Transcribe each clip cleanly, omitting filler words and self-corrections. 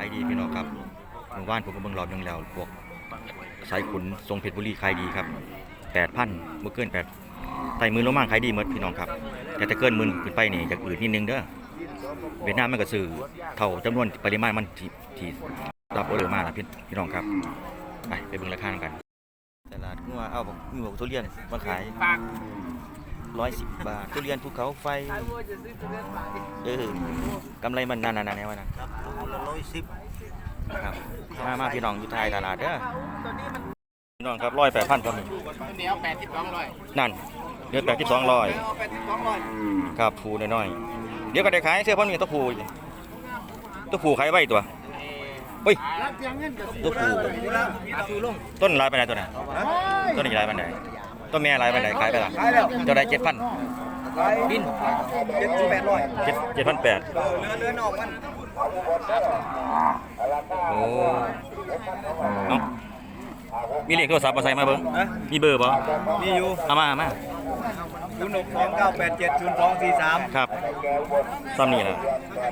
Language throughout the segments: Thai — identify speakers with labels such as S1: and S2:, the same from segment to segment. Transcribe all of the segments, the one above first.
S1: ดีพี่น้องครับหมู่บ้านผมก็เบิ่งรอบนึงแล้วพวกสายขุนทรงเพชรบุรีขายดีครับ8,000บ่เกิน8ไต่มือลงมาขายดีหมดพี่น้องครับแต่ถ้าเกินหมื่นขึ้นไปนี่จะอืดนิดนึงเด้อเวียดนามมันก็ซื้อเท่าจำนวนปริมาณมันที่รับออเดอร์มาล่ะพี่น้องครับไปเบิ่งราคากันตลาดงัวเอามีบอกทุเรียนมาขาย110 บาททุเรียนภูเขาไฟกำไรมันนานๆแน่วะนะ110ครับมาพี่น้องอยู่ท้ายตลาดเด้อพี่น้องครับ108,000ครับ
S2: เดี๋ยว8200
S1: นั่นเดือน8200ครับผูน้อยๆเดี๋ยวก็ได้ขายเสื้อพ่อมีตัวผูขายไว้ตัวเฮ้ยตัวผูต้นลายไปไหนตัวไหนต้นนี้ลายไปไหนต้นแม่ลายไปไหนขายไปละเท่าไร7,000บิน7,800เรือนอกมันโอ้เอ้ามีเลขโทรศัพท์มาใส่มาเบิ้งมีเบอร์ป่ะ
S2: มีอยู่
S1: เอามา
S2: 0629870243
S1: ครับซ้ำนี่แหละ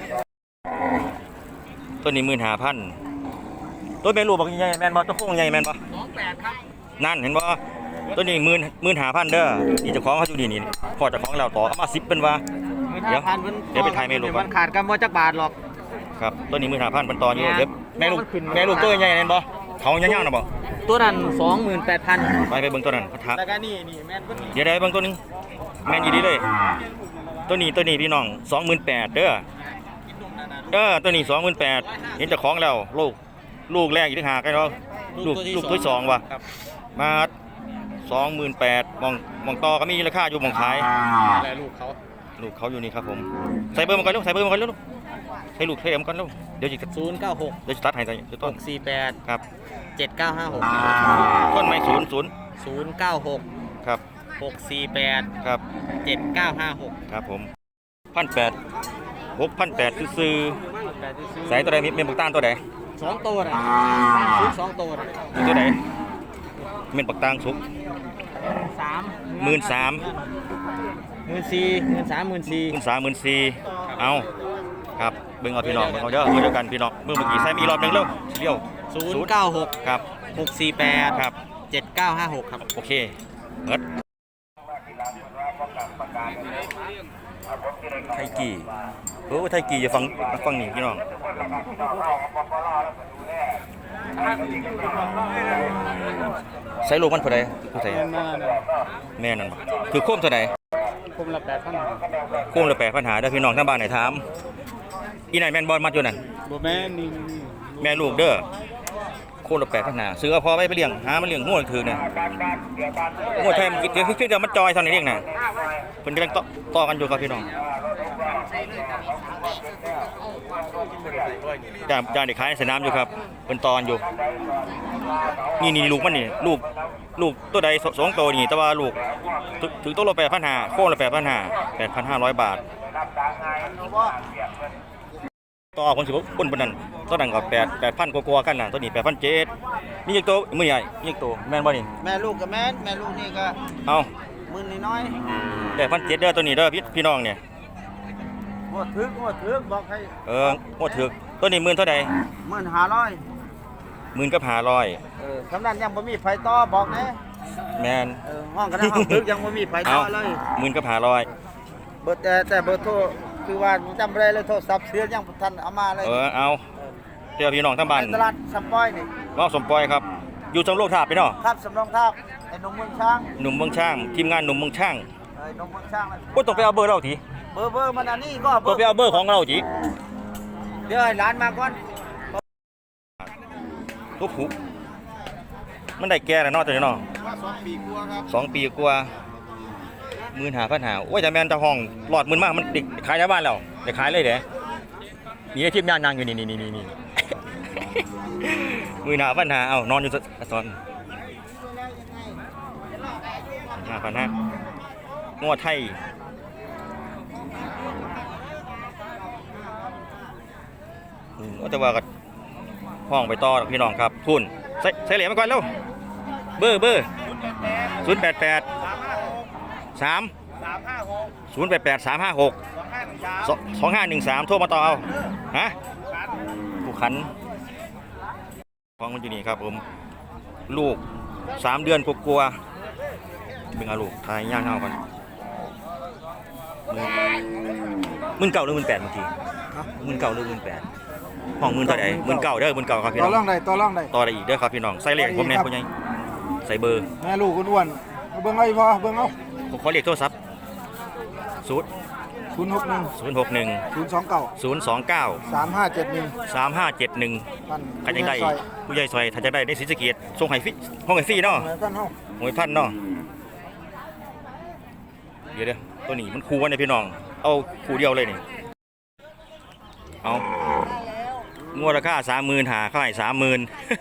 S1: ต้นนี้15,000ต้นแม่ลูกบอกใหญ่แม่นบ่ต้นโค้งใหญ่แม่นบ่
S2: 28ครับ
S1: นั่นเห็นบ่ต้นนี้15,000เด้อนี่เจ้าของเขาอยู่นี่พอเจ้าของแล้วต่อเอามา10เป็นว่าเดี๋ยวไปถ่ายแม่ลูกก่อน
S2: ขาดกันบ่จักบาทหรอก
S1: ครับต้นนี้15,000เป็นต่ออยู่เดี๋ยวแม่ลูกตัวใหญ่แม่นบ่เขายาวๆน่ะบ่
S2: ตัวนั้น 28,000
S1: ไปเบิ่งตัวนั้นพัทะ
S2: แล้วก็นี่แม่นเพิ่น
S1: เดี๋ยวได้เบิ่งตัวนึงแม่นอยู่ดีเลยตัวนี้พี่น้อง28,000เด้อตัวนี้28,000เห็นเจ้าของแล้วลูกแรกอีกต่างหากไอ้เนาะลูกที่2ว่ะมา28,000มองต่อก็มีราคาอยู่มองขาย
S2: แล้วลูก
S1: เขาอยู่นี่ครับผมใส่เบอร์มาก่อนลูกใส่เบอร์มาก่อนลูกให้ลูกให้เอ็มก่อนลูกเดี๋ยวจะ
S2: 096
S1: เดี๋ยวจะตัดให้ใส่ต้น
S2: 648
S1: ครับ
S2: 7956
S1: ต้นไม้
S2: 096
S1: ครับ
S2: 648
S1: ครับ
S2: 7956
S1: ครับผม6,800ซื้อใส่ตัวใดมีเมนปักต้านตัวใด
S2: 2ตัวน่ะ2ตัวน่ะ
S1: ตัวใดเมนปักต้านสุก13,000เอาครับเบิ่งเอาพี่น้องเบิ่งเอาเด้อเดียวกันพี่น้องเมื่อกี้ใส่มีรอบนึงเร็วเลี้ยว
S2: 096
S1: ครับ
S2: 648
S1: ครับ
S2: 7956ครับ
S1: โอเคเอิดไทกี่ไทกี่จะฟังนี่พี่น้องใส่ลูกมันเท่าใดคือใส่แม่นั่นบ่คือโคมเท่าใด
S2: โคมละ8,000
S1: โคมละ8,000เด้อพี่น้องทางบ้านไหนถามอีไหนแม่นบ่มาอยู่นั่น
S2: บ่แม่นนี่
S1: แม่ลูกเด้อโคมละ8,000ซื้อเอาพอไปเลี้ยงหามันเลี้ยงงัวถือน่ะงัวไทยมันคือจะมันจอยเท่านี้เองน่ะเพิ่นกำลังต่อกันอยู่ครับพี่น้องจานเด็กขายในสนามอยู่ครับเป็นตอนอยู่นี่ลูกมันนี่ลูกตัวใด2ตัวนี่แต่ว่าลูกถึงตัวละ8,500โค้งละ8,500 บาทต่อคนสิบคนบนนั้นตัวนั้นก็8,000กว่ากันน่ะตัวนี้8,700มีอีกตัวมือใหญ่มีอีกตัวแม่นบ่นี่
S2: แม่ลูกก็แม่ลูกนี่ก็
S1: เอา
S2: มื้อนี้น้อย
S1: 8,700เด้อตัวนี้เด้อพี่น้องเนี่ย
S2: หมดถึกบอกให้
S1: หมดถึกตัวนี้10,000เท่าใด
S2: 15,000
S1: 10,000กับ500
S2: คำนั้นยังบ่มีไฟต่อบอกแน่
S1: แม่น
S2: ห้องก็ได้ห้องถึกยังบ่มีไฟต่อเลย
S1: 10,000กับ500
S2: เบอร์แต่เบอร์โทรคือว่าจำบ่ได้เลยโทรศัพท์เสียยังบ่ทันเอามาเลย
S1: เอาเดี๋ยวพี่น้องทั้งบ้าน
S2: ตลาดสำปอยนี่
S1: สมปอยครับอยู่สำโรงทาบพี่น้อง
S2: ครับสำโรงทาบไอ้หนุ่มเมืองช่าง
S1: ทีมงานหนุ่มเมืองช่าง
S2: หนุ่มเมืองช่าง
S1: ต้องไปเอาเบอร์เราที
S2: เบอร์มันอันนี้ก็
S1: ต้องไปเอาเบอร์ของเราที
S2: เดี๋ยวให้ร้านมาก่อน
S1: ทุกผูมันได้แก่แล้วเนาะตัวนี้เนาะ
S2: 2 ปีกว่าครับ
S1: 2 ปีกว่า15,500โอ้ยแต่แม่นจะห้องหลอด10,000มากมันติดขายในบ้านแล้วได้ขายเลยเด้นี่ทีมงานนั่งอยู่นี่15,500เอานอนอยู่ซอน5,500งัวไทยแต่ว่าก็ห้องไปต่อพี่น้องครับทุนใส่เหรียญมาก่อนเร็วเบอร์088 3 088 356 2513โทรมาต่อเอาฮะผู้ขันของมันอยู่นี่ครับผมลูก3 เดือนกลัวๆเป็นเอาลูกทายย่างเท่ากัน19,000หรือ18,000เมื่อกี้19,000หรือ18,000ห้อง19,000เท่าไหร่19,000เด้อ19,000ครับพี่
S2: ต่
S1: น้
S2: อ
S1: อง
S2: รองได้ต่อรองได้
S1: ต่อได้อีกเด้อครับพี่น้องใส่เลขผมแน่พ่อใหญ่ใส่เบอร์
S2: แม่ลูกอ้วนๆเบิ่งเอาอีพอเบิ่งเอา
S1: ผมขอเลขโทรศัพท์
S2: 061
S1: 061
S2: 029
S1: 029
S2: 3571
S1: 3571
S2: ท่าน
S1: ใครจังได้ผู้ใหญ่ซอยถ้าจะได้ในศรีสะเกษส่งให้ฟรีห้องให้ฟรีเนาะ
S2: แม่กันเฮา
S1: หวยพันเนาะเดี๋ยวตัวนี้มันคู่กันเลยพี่น้องเอาคู่เดียวเลยนี่เอางวดราคา30,000หาเขาให้30,000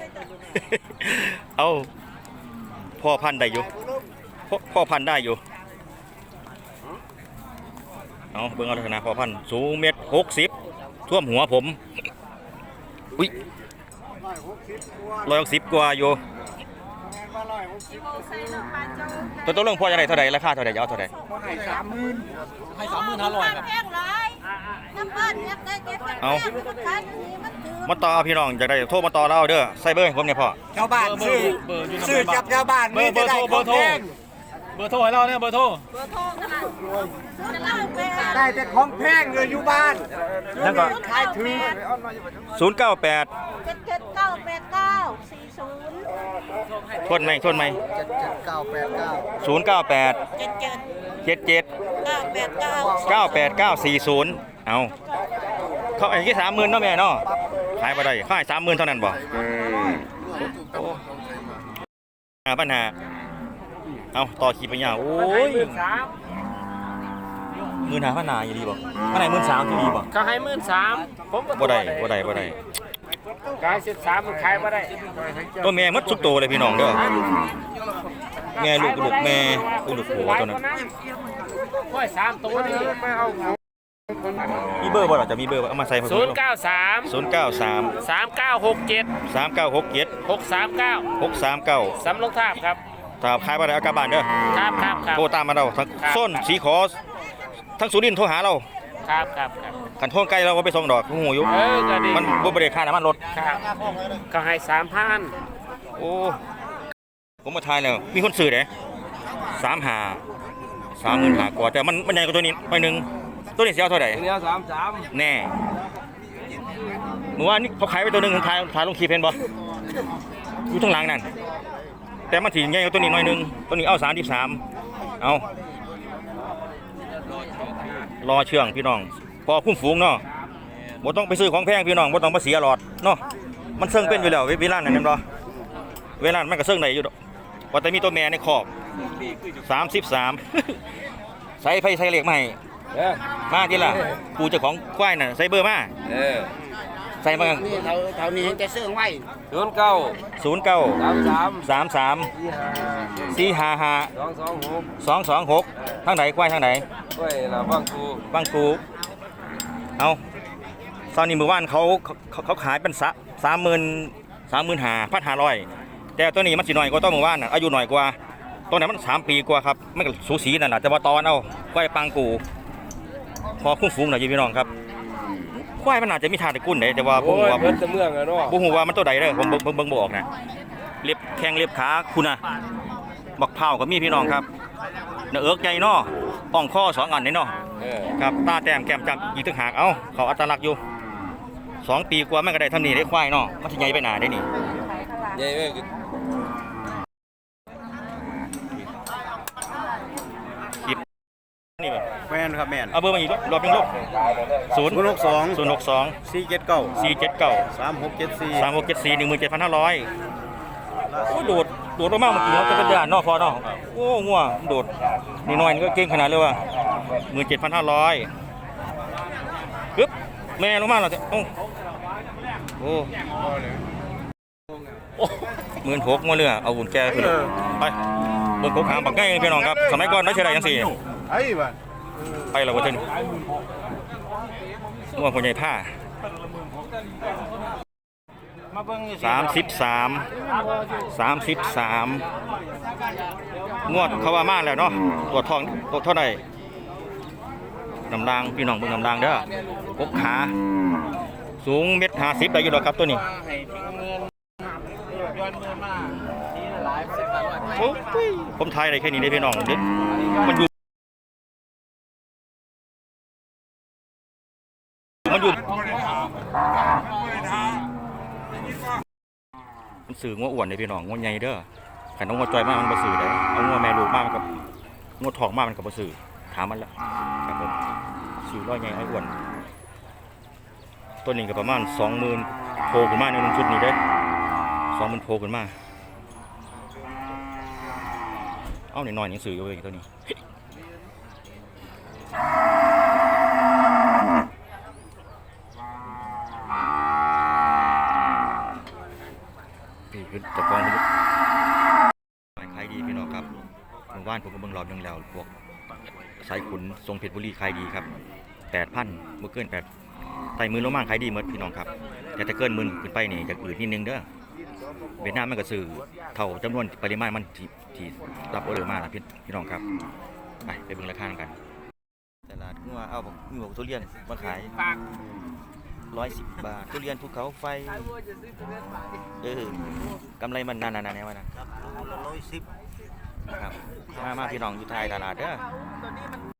S1: เอาพ่อพันได้อยู่พ่อพันได้อยู่เอาเบิ่งเอาลักษณะพ่อพันสูง1.60 ท่วมหัวผมอุ้ย160 กว่าอยู่ตัวเรื่องพ่อจะได้เท่าไหร่ราคาเท่าไหร่จะเอาเท่าไหร่
S2: ให้30,000
S3: ให้35,000ครับ
S1: เอามาต่อพี่น้องอยากได้โทรมาต่อเราเด้อใส่เบอร์ให้ผมเนี่ยพ่อ
S2: ชาวบ้านซื้อ
S3: เบอร์อยู่
S2: ซื้อจับชาวบ้าน
S3: เบอร์โทรเบอร์โทรให้เราเนี่ยเบอร์โทร
S2: ได้แต่ของแพงเลยอยู่บ้าน
S1: นั่นก็
S2: ขายถือ
S1: 098
S4: 7798940
S1: ทวนไหม
S2: 7989
S1: 098 77 98940เอาเขาไอ้ที่30,000เนาะแม่เนาะขายบ่ได้ขาย30,000เท่านั้นบ่ปัญหาเอาต่อขีดไปยาวโอ้ย15,000นาอยู่ดีบ่อันไหน13,000ที่ดีบ่
S3: เขาให้13,000ผม
S1: บ่ได้
S3: ขาย13,000มันขายบ่ได้
S1: ตัวแม่หมดทุกตัวเลยพี่น้องเด้อแม่ลูกแม่ลูกผัวตัวนั้น
S3: ค่อย3ตัวนี่
S1: มีเบอร์บ่ล่ะจะมีเบอร์บ่เอามาใส่ผม
S3: 093
S1: 093
S3: 3967
S1: 3967
S3: 639
S1: 639
S3: สำลงทาบครับ
S1: ถ้าขายบ่ได้เอากลับบ้านเด้อ
S3: ครับ
S1: โทรตามมาเราทั้งส้นสีขอทั้งสุรินทร์โทรหาเรา
S3: ครับ
S1: คันโทรไกลเราก็ไปส่งดอกหูอยู่
S3: ก็ดี
S1: มันบ่ได้ค่าน้ำมันรถ
S3: ครับก็ให้3,000
S1: โอ้ผมมาทายแล้วมีคนซื้อเด้35,000กว่าแต่มันใหญ่กว่าตัวนี้หน่อยนึงตัวนี้สิเอาเท่าไหร่
S3: เดียว33
S1: แน่เมื่อวานนี้เขาขายไปตัวหนึงขายลงคลิปเห็นบ่อยู่ข้างหลังนั่นแต่มันสิใหญ่กว่าตัวนี้หน่อยนึงตัวนี้เอา33เอารอเชื่องพี่น้องพอคุ้มฝูงเนาะบ่ต้องไปซื้อของแพงพี่น้องบ่ต้องมาเสียหลอดเนาะมันเซิงเป็นอยู่แล้วเวลานั่นแม่นบ่เวลามันก็เซิงได้อยู่ดอกว่าแต่มีตัวแม่ในคอก33 ใส่ไฟใส่เหล็กมาให้มาทีละกูเจ้าของควายน่ะใส่เบอร์มาใส่มา
S2: นี่เท่านี้เห็นแต่เสื้อไว้
S1: 09 33 455 226ทางไหนควายทางไหน
S3: เว้ยเราบ้างกู
S1: บางกูเอาตอนนี้มือว่านเขาขายเป็น35,500แต่ตัวนี้มันสิหน่อยกว่าตัวมือว่านน่ะอายุหน่อยกว่าตัวนั้นมัน3 ปีกว่าครับมันก็สูสีนั่นแหละแต่ว่าตอนเอาควายปังกูพอคุ้มฝูงหน่อยพี่น้องครับควายมันอาจจะมีทางตะกุ่นได้แต่ว่าผมว่า
S3: เพิ่นจะเมืองอะเนาะ
S1: บ่ฮู้ว่ามันตัวใดเด้อผมเบิ่งบ่ออกนะเล็บแข้งเล็บขาคุณน่ะบักเผาก็มีพี่น้องครับเนื้อเอิกใหญ่เนาะอ่องคอ2 อันนี่เนาะครับตาแต้มแก้มจับอีกต่างหากเอ้าเขาอัตลักษณ์อยู่2 ปีกว่ามันก็ได้ทำนี่ได้ควายเนาะมันสิใหญ่ไปหนาได้นี่
S3: ใหญ่เว้ย
S1: คลิปนี่แบบ
S2: แม่นครับแม่น
S1: เอาเบอร์มาอีกรอบนึงลูก062
S2: 479
S1: 479
S2: 3674
S1: 3674 17,500โอ้โดดลงมาเมื่อกี้เขาจะเป็นด่านเนาะพอเนาะโอ้งัวโดดนี่น้อยนี่ก็เก่งขนาดเลยว่ะ17,500ปึ๊บแม่ลงมาแล้วโอ้16,000มาเรือเอาหุ่นแกขึ้นไปเบิ่งกบหางบักง่ายพี่น้องครับสมัยก่อนได้เท่าไหร่จังซี่
S2: ไอ้บ้าน
S1: ไปแล้วว่าเพิ่นงัวคนใหญ่ผ้า
S2: มาเบิ่งนี่
S1: 33งวดเขาว่ามาแล้วเนาะตัวทองตัวเท่าไหร่น้ำรางพี่น้องเบิ่งน้ำรางเด้อกบขาสูง1.50 ได้อยู่ดอกครับตัวนี้
S2: ย้อนมือมาทีละหลายสิบร้อย
S1: โอ้ยผมทายอะไรแค่นี้ได้พี่น้องเด็ดมันอยู่มันสื่องัวอ้วนเลยพี่น้องงัวใหญ่เด้อขันเอางัวจอยมากมันบ่สื่อได้เอางัวแม่ลูกมากมันกับงัวทองมากมันกับบ่สื่อถามมันละครับผมสื่อร้อยใหญ่ไอ้อ้วนตัวนี้ก็ประมาณ 20,000โผล่ขึ้นมาในชุดนี้เด้อ20,000โผล่ขึ้นมาเอาหน่อยๆหนังสืออยู่เองตัวนี้นี่คือตะกองมันขายดีพี่น้องครับหมู่บ้านผมก็เบิ่งรอบนึงแล้วพวกสายขุนทรงเพชรบุรีขายดีครับ 8,000บ่เกิน8ไต่มือลงมาขายดีหมดพี่น้องครับแต่ถ้าเกิน10,000ขึ้นไปนี่จะอืดนิดนึงเด้อเวียดนามมันก็ซื้อเท่าจำนวนปริมาณมันที่รับออเดอร์มาล่ะพี่น้องครับไปเบิ่งราคากันตลาดงัวเอามีทุเรียนมาขาย110 บาททุเรียนภูเขาไฟกำไรมันนานๆแน่ว่านะครับมาพี่น้องอยู่ท้ายตลาดเด้อ